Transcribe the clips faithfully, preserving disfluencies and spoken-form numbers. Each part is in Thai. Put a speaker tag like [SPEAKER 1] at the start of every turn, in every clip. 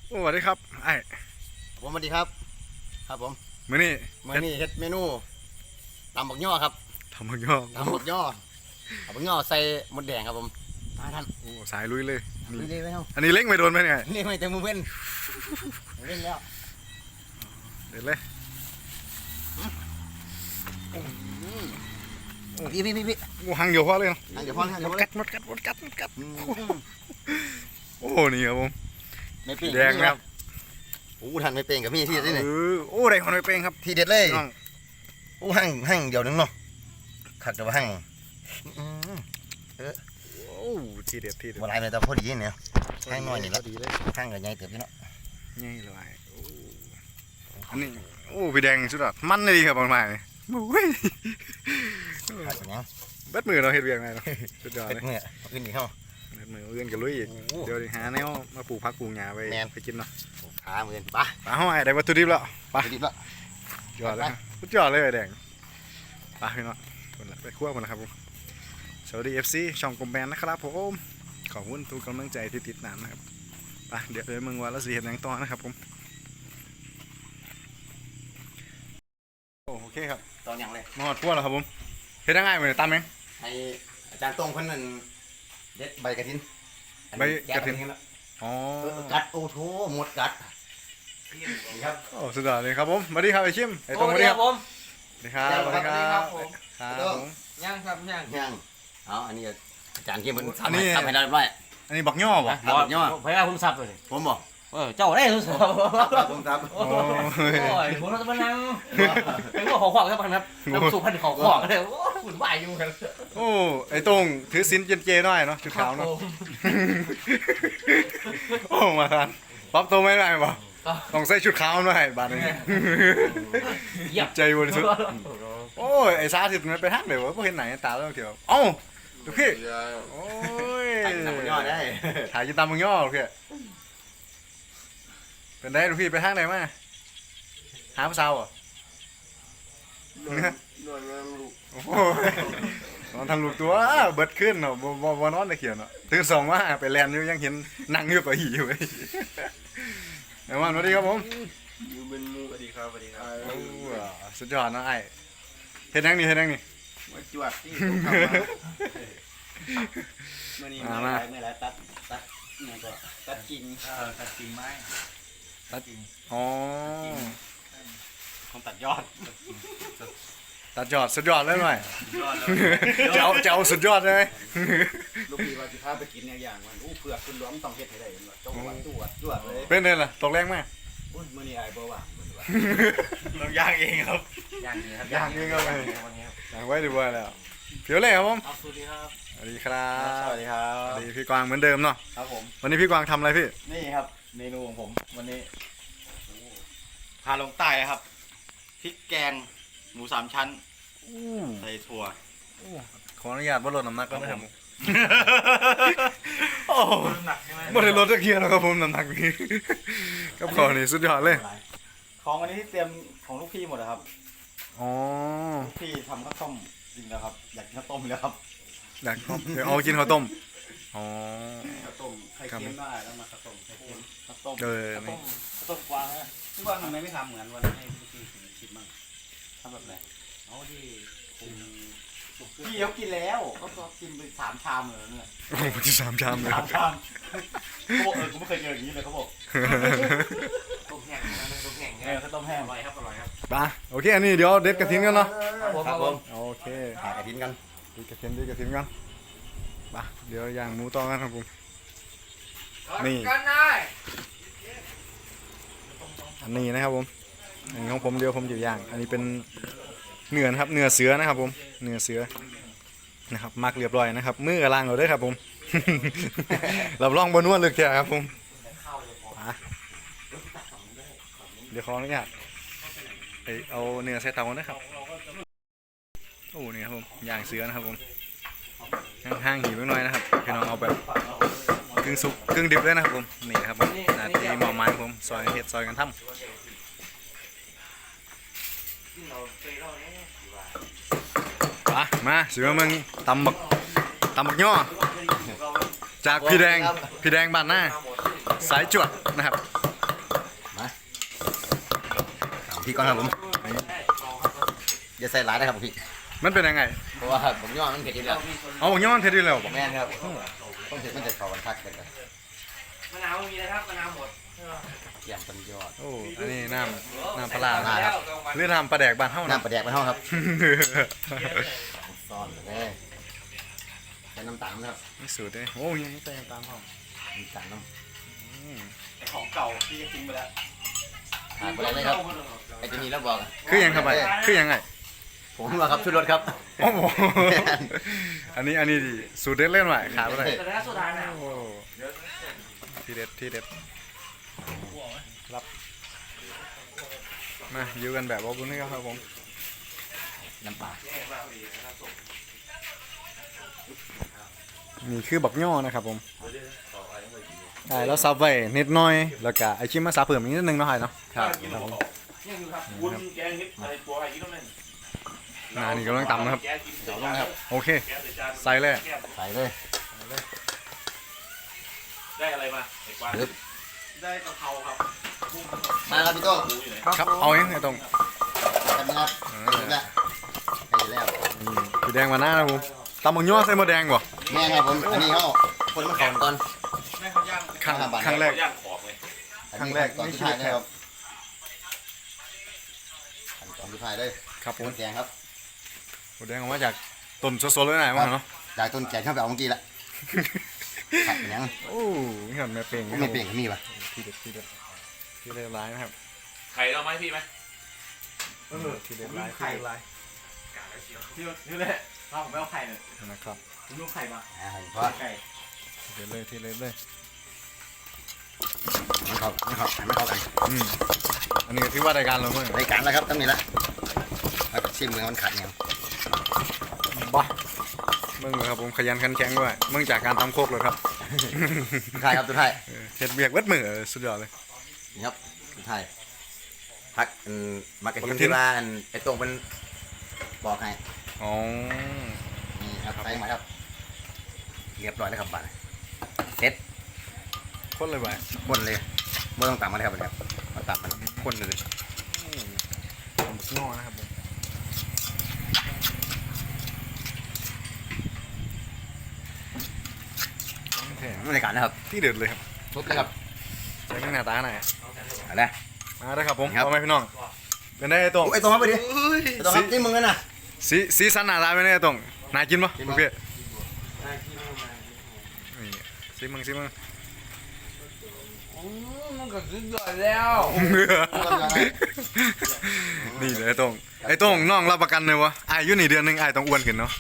[SPEAKER 1] โอ้สวัสดีครับไอ้
[SPEAKER 2] ผมสวัสดีครับครับผม
[SPEAKER 1] มื้อนี้
[SPEAKER 2] มื้อนี้เฮ็ดเมนูตำบักย่อครับ
[SPEAKER 1] ทำมังย่อ
[SPEAKER 2] ตำบักย่อตำบักย่อใส่มดแดงครับผมมาท่าน
[SPEAKER 1] โอ้สายลุยเลย
[SPEAKER 2] นี่เลยไหมครับ
[SPEAKER 1] อันนี้เล้งไม่โดนไหมเนี่ย
[SPEAKER 2] นี่ไม่แต่มือเว้นเล่นแล้ว
[SPEAKER 1] เด็ดเลย
[SPEAKER 2] พี่พี่พี่พี่
[SPEAKER 1] โอ้หังเดียวพอเลยเนาะ
[SPEAKER 2] เดี๋ยวพ่อเดี๋ยวพ่อ
[SPEAKER 1] กัดมดกัดมดกัดมดกัดโอ้นี่ครับผม
[SPEAKER 2] ไม่เป่ง
[SPEAKER 1] แดงครับ
[SPEAKER 2] โอ้ท่านไม่เป่งกับพี่ที่เด็ดนี่
[SPEAKER 1] เออโอ้ได้คนไม่เป็นครับ
[SPEAKER 2] ที่เด็ดเลยโอ้หั่งหั่งเดียวนึงเนาะขัดแต่ว่าหั่ง
[SPEAKER 1] โอ้ทีเด็ดทีเด็ด
[SPEAKER 2] บ่หลายเลยแต่พอดีเนี่ยหั่งน้อยนี่ละหั่งกับใหญ่เติบพี่เนาะ
[SPEAKER 1] นี่เลยอันนี้โอ้พี่แดงสุดยอดมันเลยครับบางไม้โอ้ย
[SPEAKER 2] ขัดอย่างนี้
[SPEAKER 1] เบ็ดมือเราเห็ดเบียงไงเนาะสุดยอดเลย
[SPEAKER 2] เมื่ออื่นดีเข้า
[SPEAKER 1] เบ็ดมืออื่นกับลุยอีกเดี๋ยวหาแนวมาปลูกผักปลูกหญ้าไปไปกินเนาะ
[SPEAKER 2] ขาเมื่อนปะ
[SPEAKER 1] ปลาห้อยได้วัตถุดิบแล้วปลา
[SPEAKER 2] ดิบแล้ว
[SPEAKER 1] ยอดเลยสุดยอดเลยแดงปลาพี่น้องไปคั่วกันนะครับผมสวัสดี เอฟ ซี ช่องกลมแบนนะครับผมขอบคุณทุกกำลังใจที่ติดตามนะครับไปเดี๋ยวเดี๋ยวมึงว่าแล้วสิเห็นยังต่อนะครับผมโอเคครับ
[SPEAKER 2] ตอนยังเลย
[SPEAKER 1] มาหอดคั่วแล้วครับผมเฮ็ดได้ง่ายเหมือนตามเอง
[SPEAKER 2] ให้อาจารย์ตรงคนนั้นเด็ดใบกระถิน
[SPEAKER 1] ใบกระถินอ๋อ
[SPEAKER 2] กัดโอ้โหหมดกัดครับ
[SPEAKER 1] โอ้สุดยอดเลยครับผมสวัสดีครับไอชิมไอตรงสวัสดีครับผมสวัสดีครับสวัสดีครับครับผม
[SPEAKER 3] ย่างครับย่าง
[SPEAKER 2] ย่างเอาอันนี้อาจารย์เข้มมันทำให้ทำให้ได้ร้อย
[SPEAKER 1] อันนี้บักย่อป่ะ
[SPEAKER 2] บักย่อ
[SPEAKER 3] พยายามผมสับเลย
[SPEAKER 2] ผมบอก
[SPEAKER 3] เออเจ้าได้ทุกสับ
[SPEAKER 2] ผมสับ
[SPEAKER 3] โอ้ยผมเราจะมานั่งเป็นพวกของขวางครับครับน้ำซุปพันของขวางเลยโอ้หุ่นวายอยู่กัน
[SPEAKER 1] โอ้ไอตรงถือสินเจนเจหน่อยเนาะชุดขาวเนาะโอ้มาทานป๊อปโตไม่ได้ป่ะต้องใส่ชุดขาวหน่อยบาดนี้ใจบริสุทธิ์โอ้ยไอ้ซาสิมันไปทางไหนวะพวกเห็นไหนตาต้องเกี่ยวเอ้าดูพี่โอ้ย
[SPEAKER 2] ตำบักย่อได้
[SPEAKER 1] ถ่ายยินตามมึงย่อโอเคเป็นได้ดูพี่ไปทางไหนมาหาผู้สาวอ่ะโอ้ยนอนทำลูกตัวเบิดขึ้นเนาะบอบนอนตะเขียนเนาะตื่นสองว่าไปแลนอยู่ยังเห็นนั่งอยู่ไปหีอยู่เลยเดี๋ยววันสวัสดีครับผม
[SPEAKER 3] ยูเป็นมูสวัสดีครับสวัสดีครับ
[SPEAKER 1] สุดยอดนะไอ้เฮ็ดยังนี่เฮ็ดยังนี่
[SPEAKER 3] มาจวดที่มื่อนี้ไม่ไรไม่ไรตัดตัดนี่ก็ตัดกิ่งเออตัดกิ่งไม้ตัดกิ่ง
[SPEAKER 1] อ๋อ
[SPEAKER 3] ต้องตัดยอด
[SPEAKER 1] ตัดยอดสุดยอดเลยหน่อยจะเอาจะเอาสุดยอดเลย
[SPEAKER 3] ลูกพี่ว่าจะพาไปกินอย่างมันอู้เผือกคุณล้อมต้องเฮ็ดให้ได้กันว่าจ้าวันจวดจวดเลย
[SPEAKER 1] เป็นไงล่ะตกแรงไหม
[SPEAKER 3] อุ้ยมื่อนี้ไอ้บ่ว่า
[SPEAKER 1] เราย่างเองครับ
[SPEAKER 3] ย่างเองครับ
[SPEAKER 1] ย่างเองครับย่างไว้ดีกว่าแล้วเพียวเล่ครับผม
[SPEAKER 3] สวัสดีครับ
[SPEAKER 1] สวัสดีครับ
[SPEAKER 3] สวัสดีครับ
[SPEAKER 1] สวัสดีพี่กวางเหมือนเดิมเนาะ
[SPEAKER 3] ครับผม
[SPEAKER 1] วันนี้พี่กวางทำอะไรพี่
[SPEAKER 3] นี่ครับเมนูของผมวันนี้พาลงใต้ครับพริกแกงหมูสามชั้นใส่ถั่ว
[SPEAKER 1] ขออนุญาตว่าลดน้ำหนักก็ได้ครับ
[SPEAKER 3] โอ้น้ำหนักใช่ไหม
[SPEAKER 1] ไม่ได้ลดตะเกียบแล้วครับผมน้ำหนักนี้กับของนี่สุดยอดเลย
[SPEAKER 3] ของอันนี้ที่เตรียมของลูกพี่หมดนะครับ
[SPEAKER 1] อ๋อ
[SPEAKER 3] ลูกพี่ทำข้าวต้มจริงแล้วครับอยากกินข้าวต้มแล้วครับ
[SPEAKER 1] อยากเดี๋ยวเอากินข้าวต้มอ๋อ
[SPEAKER 3] ข้าวต้มไข่เค็มได้แล้วมาข้าวต้มไข่เค็มข้าวต้ม
[SPEAKER 1] เออ
[SPEAKER 3] ข้าวต้มข้าวต้มกวางนะพี่กวางทำไมไม่ทำเหมือนวันให้ลูกพี่ชิมบ้างทำแบบไหนเอาที่พี่เขากินแล้วเขากินไปสามชามเลยเนี่ย
[SPEAKER 1] โอ้โหที่สามชามเลย
[SPEAKER 3] สามชามเขาบอกเออกูไม่เคยเจออย่างนี้เลยเขาบอกต้มแห้งนะต้มแห้งเออเขาต้มแห้งอร่อยครับอร่อยครับ
[SPEAKER 1] ปะโอเคอันนี้เดี๋ยวเด็ดกระถิ่นกันเนาะ
[SPEAKER 3] ครับผม
[SPEAKER 1] โอเค
[SPEAKER 2] หากระถิ่นกัน
[SPEAKER 1] เด็ดกระถิ่นเด็ดกระถิ่นกันปะเดี๋ยวย่างหมูต่อกันครับผมนี่อันนี้นะครับผมอันนี้ของผมเดี๋ยวผมจะย่างอันนี้เป็นเนื้อนะครับเนื้อเสือนะครับผมเนื้อเสือนะครับมักเรียบร้อยนะครับมือกระลังเราด้วยครับผมรับรองบนนวดเลยแค่ครับผมเดี๋ยวขออนุญาตเอาเนื้อใส่เตานะครับโอ้นี่ครับผมย่างเสือนะครับผมห้างๆหิวหน่อยนะครับพี่น้องเอาแบบกึ่งสุกกึ่งดิบเลยนะครับผมนี่ครับผมนาทีหมอไม้ผมซอยเห็ดซอยกันทำมามาสิว่ามึงตำบักตำบักย่อจากพี่แดงพี่แดงบ้านหน้าสายจวดนะครับ
[SPEAKER 2] พี่ก่อนครับผมอย่าใส่หลายนะครับพี่
[SPEAKER 1] มันเป็นยังไง
[SPEAKER 2] เพราะว่าผมย่อมันเผ็ดอยู่แล้ว
[SPEAKER 1] เอาบอกย้อนเทดดี้แล้วบอก
[SPEAKER 2] แม่นครับต้องเผ็ดมันจะเข้ากันทักกัน
[SPEAKER 4] มะนาวมีนะครับมะนาวหมด
[SPEAKER 2] เกี่ยมเป็นยอด
[SPEAKER 1] โอ้อันนี้น้ำน้ำปลาร้า
[SPEAKER 2] ปลาครับ
[SPEAKER 1] หรือทำปลาแดกบ้านเท่า
[SPEAKER 2] น้ำปลาแดกไปห้องครับซ่อนเลยใส่น้ำตาลนะครับ
[SPEAKER 1] ไม่สูตรเลยโอ้ยยังไม่ใส่น้ำตาลพร้อม
[SPEAKER 2] น้ำตาลน้
[SPEAKER 1] อืม
[SPEAKER 3] ของเก่าที่จะทิ้งไปแล้ว
[SPEAKER 2] ำขาดไปเลยครับไอ้ตัวนี้แล้วบอก
[SPEAKER 1] คือยังครับไปคือยังไง
[SPEAKER 2] ผมว่าครับชุดรถครับ
[SPEAKER 1] โอ้โหอันนี้อันนี้ดิสูตรเด็ดเล่นใหม่ขาดอะไร
[SPEAKER 4] แต่ถ้าสุดท้ายนะ
[SPEAKER 1] โอ้ที่เด็ดที่เด็ดรับมาอยู่กันแบบว่าบุญนี่ครับผม
[SPEAKER 2] น้ำปลา
[SPEAKER 1] นี่คือบักย่อนะครับผมใช่แล้วซับไว้นิดหน่อยแล้วก็ไอชิมมาซับเพิ่มอีกนิดนึงเนาะไอ้เนาะ
[SPEAKER 2] ครับ
[SPEAKER 1] ครับผม
[SPEAKER 4] ยังอยู่ครับวุ้นแกงนิดอะไรปัวอะไรกินต้องเล่น
[SPEAKER 1] อ่านี่กำลังตำนะครับ
[SPEAKER 4] แกกิน
[SPEAKER 2] เดี๋ยวลงครับ
[SPEAKER 1] โอเค ใส่เลย
[SPEAKER 2] ใส่เลย
[SPEAKER 4] ได้อะไรมาเด็กว่า
[SPEAKER 2] ปึ๊บ
[SPEAKER 3] ได้กะเพราครับ
[SPEAKER 2] มาครับพี่โต้
[SPEAKER 4] หมูอยู่ไหน
[SPEAKER 1] ครับเอาเองไอ้ตรง
[SPEAKER 2] กันนะครับถึงแล้วใส่แล้ว
[SPEAKER 1] นี่สีแดงมาหน้านะผมตำบักย่อใส่หมดแดงบ่
[SPEAKER 2] แม่ครับผมอันนี้เขาคนมันของก่อน
[SPEAKER 3] แม่เขาย่าง
[SPEAKER 1] ครั้ง
[SPEAKER 2] ห้าบาท
[SPEAKER 1] ครั้งแรก
[SPEAKER 4] ย่างขอบเลย
[SPEAKER 1] ครั้งแรก
[SPEAKER 2] ตอนที่ถ่ายนะครับตอนที่ถ่ายเลย
[SPEAKER 1] ครับผม
[SPEAKER 2] ต้นแกงครับ
[SPEAKER 1] หมดแดงออกมาจากต้นสดๆเลยนะมั้งเนาะ
[SPEAKER 2] จากต้นแกงเข้าไปเอาเมื่อกี้ละผัดเป็นยัง
[SPEAKER 1] โอ้ยเห็นแม่เป่ง
[SPEAKER 2] ไม่เปลี่ยนก็มีป่ะ
[SPEAKER 1] ทีเด็ดทีเด็ดทีเด็ดร้ายนะครับ
[SPEAKER 4] ไข่เราไหมพี่ไหม
[SPEAKER 1] ทีเด็ดร้ายทีเด็ดร้าย
[SPEAKER 3] ที่ที่แรกเราผมไม่เอาไข่เลย
[SPEAKER 1] นะครับ
[SPEAKER 3] ผมดูไข่มา
[SPEAKER 2] อ่าเพราะ
[SPEAKER 3] ไก่
[SPEAKER 1] ทีเด็ดเลยทีเด็ดเลย
[SPEAKER 2] ไม่เข้าไม่เข้าไม่เข้ากัน
[SPEAKER 1] อืมอันนี้ก็ถือว่ารายการเราเมื่อ
[SPEAKER 2] รายการแล้วครับตั้งนี้ละแล้วก็ชิมมือมันขัดยัง
[SPEAKER 1] บ้าเมื่อครับผมขยันขันแข็งด้วยเมื่อจากการทำโคกเลยครับ
[SPEAKER 2] สุดท้ายครับสุดท้าย
[SPEAKER 1] เออเฮ็ดเบียกเวดมือเออสุดยอดเลย
[SPEAKER 2] นี่ครับสุดท้ายพักอันมักกะทิ
[SPEAKER 1] มักกะทิ
[SPEAKER 2] ที่ว่าอันไอ้ตรงเป็นบอกให้
[SPEAKER 1] อ๋อ
[SPEAKER 2] นี่ครับใส่มาครับเรียบร้อยแล้วครับบัตรเสร็จ
[SPEAKER 1] คนเลยไป
[SPEAKER 2] คนเลยไม่ต้องตามมาเลยครับบัดนี้ครับมาตามมันคนเลย
[SPEAKER 1] ผมบักงอนะครับผมโอเค
[SPEAKER 2] รายการนะครับ
[SPEAKER 1] ที่เด็ดเลยครับ
[SPEAKER 2] ครบเลยครับ
[SPEAKER 1] ใส่เครื่องหน้าตาหน่อย
[SPEAKER 2] เอาละ
[SPEAKER 1] มาได้ครับผม
[SPEAKER 2] ครับ
[SPEAKER 1] เอาไหมพี่น้องเป็นได้ไอ้ตรง
[SPEAKER 2] โอ้ยไอ้ตรงครับไปดิไอ้ตรงครับนี่มึงกันนะ
[SPEAKER 1] สีสีสันหน้าตาเป็นได้ไอ้ตรงน่ากินปะ
[SPEAKER 2] กิน
[SPEAKER 1] โอ
[SPEAKER 2] มั้ย
[SPEAKER 1] เคนี่ซิมึงซิมึง
[SPEAKER 4] มันก็สุดยอดแล้ว
[SPEAKER 1] นี่เลยไอ้ตรงไอ้ตรงน้องรับประกันเลยวะอายุนี่เดือนหนึงไอ้ต้องอ้วนขึ้นเนาะ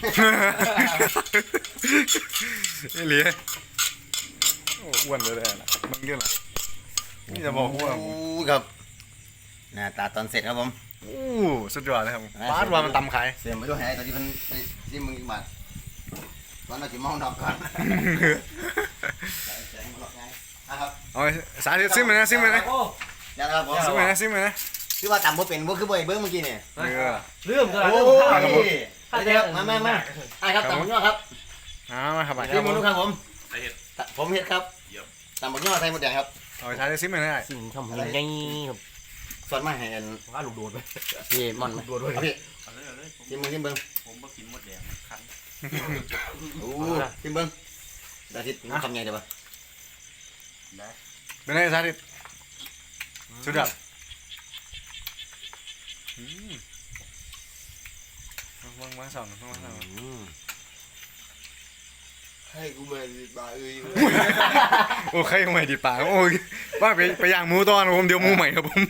[SPEAKER 1] ไอ้เหลียโอ้อ้วนเลยแหละมึงเรื่องอะไรนี่จะบอกว่า
[SPEAKER 2] โอ้ครับหน้าตาตอนเสร็จครับผม
[SPEAKER 1] โอ้สุดยอดเลยครับบ้านว่ามันตำขาย
[SPEAKER 2] เสียงไม่ต้องให้ตอนที่มันที่มึงมาตอนนั้นจะมองดอกก่อนนะครับ
[SPEAKER 1] เอาไว้สาธิตซิมเลยนะซิมเลยนะ
[SPEAKER 2] ยังครับผม
[SPEAKER 1] ซิมเลยนะซิมเลยนะ
[SPEAKER 2] คือว่าต่ำบ่เป็นบ่คือบ่ไอ้เบิ้งเมื่อกี้เนี่ย
[SPEAKER 1] เออ
[SPEAKER 4] เรื่องเท่าไหร่
[SPEAKER 2] โอ้
[SPEAKER 4] เรื่องเท่าไหร่
[SPEAKER 2] ยมามามาไอ้ครับต่ำบักย่อครับ
[SPEAKER 1] เอามาครับไป
[SPEAKER 2] ที่มึงรู้ครับผม
[SPEAKER 4] ใส่เห็ด
[SPEAKER 2] ผมเฮ็ดครับต่ำบักย่อใส่หมดแดงครับ
[SPEAKER 1] เอาไปสาธิตซิมเลยนะ
[SPEAKER 4] สิ่งทำยังไงครับ
[SPEAKER 2] ส่วนมาให้อัน
[SPEAKER 4] ว่าลูกโดดไป
[SPEAKER 2] พี่มอนโดดด้วยพี่
[SPEAKER 3] เอาเลยเอาเลยผม
[SPEAKER 2] ที่มึงที่เบิ้ง
[SPEAKER 3] ผมมากินหมดแดงคัน
[SPEAKER 2] โอ้ที่เบิ้งดาทิตทำไงเดี๋ยวบ่
[SPEAKER 1] เป็นไงสาธิตสุดยอดอืมวางวางสองวางสอง
[SPEAKER 2] ให้กูมาบาเอ้ย
[SPEAKER 1] โอ้ใครเอาใหม่ดีป่าโอ้ยว่าไปไปย่างหมูตอนผมเดี๋ยวหมูใหม่ครับผม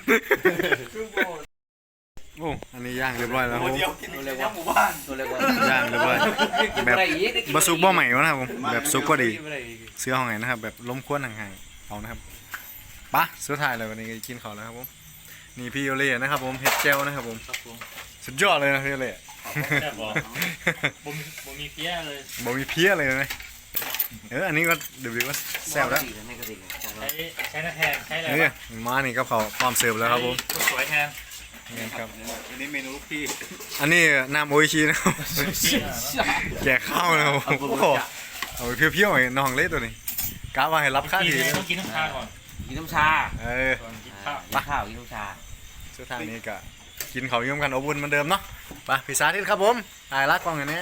[SPEAKER 1] โอ้อันนี้ย่างเรียบร้อยแล้วครับผม
[SPEAKER 3] เดียวกินในหมู่บ้าน
[SPEAKER 4] ตัวเล็กว่า
[SPEAKER 1] ย่างเรียบร้อยแบบบะซุกบ่ใหม่วะนะครับผมแบบซุกก็ดีเสื้อห้องไหนนะครับแบบล้มควนห่างๆเอานะครับปะสุดท้ายเลยวันนี้กินข้าวแล้วครับผมนี่พี่โอเล่นะครับผมเฮ็ดเจลนะครับผมสุดยอดเลยนะพี่โอเล่
[SPEAKER 4] แซ่บบ่บ่มีบ่มีเพี้ยเลย
[SPEAKER 1] บ่มีเพี้ยเลยนะเอออันนี้ก็เดี๋ยวๆก็แซ่บแล้ว
[SPEAKER 4] ใช้ใช้หน้าแทนใช้อะไร
[SPEAKER 1] นี่
[SPEAKER 4] วะ
[SPEAKER 1] มานี่กับเขาวพร้อมเสิร์ฟแล้วครับผม
[SPEAKER 4] ใช้สวยแทน
[SPEAKER 1] นี่ครับ
[SPEAKER 3] อันนี้เมนูลูกพี่
[SPEAKER 1] อันนี้น้ำโออิชินะครับ แกะข้าวนะครับผมโอ้โหเอาไปเพี้ยวๆไอ้น้องเล็กตัวนี้กะว่าให้รับค่า
[SPEAKER 4] กิน
[SPEAKER 1] ดี
[SPEAKER 4] ต้องกินน้ำชาก่อน
[SPEAKER 5] กินน้ำชา
[SPEAKER 1] เออ
[SPEAKER 4] ก่อนกินข้าว
[SPEAKER 5] กินข้าวกินน้ำชา
[SPEAKER 1] สุดท้ายนี้ก็กินเขาวเยี่ยมกันอบอุ่นเหมือนเดิมเนาะไปพี่สาธิตครับผมถ่ายรักกล้องอย่างนี้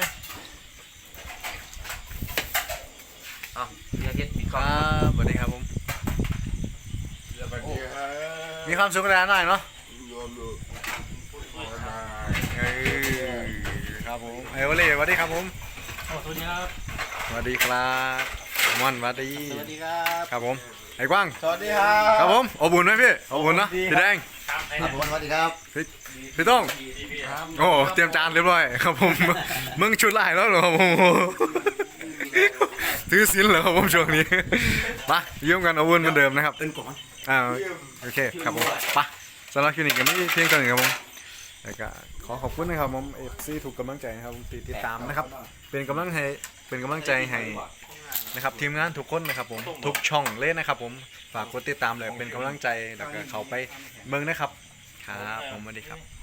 [SPEAKER 3] อ้าวพี่อาทิตย์มี
[SPEAKER 1] ครับสวัสดีครับผมมีความสุขแล้วหน่อยเนาะเอ้ยครับผมไอ้วอลเล่สวัสดีครับผม
[SPEAKER 4] สวัสดีครับ
[SPEAKER 1] สวัสดีครับมอนสวัสดี
[SPEAKER 3] สวัสดีครับ
[SPEAKER 1] ครับผมไอ้กว้าง
[SPEAKER 3] สวัสดีครับ
[SPEAKER 1] ครับผมอบอุ่นไหมพี่อบอุ่นเนาะพี่แดง
[SPEAKER 2] ครับผมสวัสดีครับ
[SPEAKER 1] พี่พี่ต้องโอ้เตรียมจานเรียบร้อยครับผมมึงชุดลายแล้วเหรอครับผมถือศีลเหรอครับผมช่วงนี้มาเยี่ยมกันอบอุ่นเหมือนเดิมนะครับ
[SPEAKER 2] เป็นกบ
[SPEAKER 1] อ่าโอเคครับผมไปสำหรับคลินิกกันไม่เพียงเท่านี้ครับผมแล้วก็ขอขอบคุณนะครับผมเอฟซีถูกกำลังใจนะครับผมติดตามนะครับ เป็นกำลังให้เป็นกำลังใจให้นะครับทีมงานทุกคนนะครับผมทุกช่องเล่นนะครับผมฝากกดติดตามเลยเป็นกำลังใจแล้วก็เขาไปเมืองนะครับครับผมสวัสดีครับ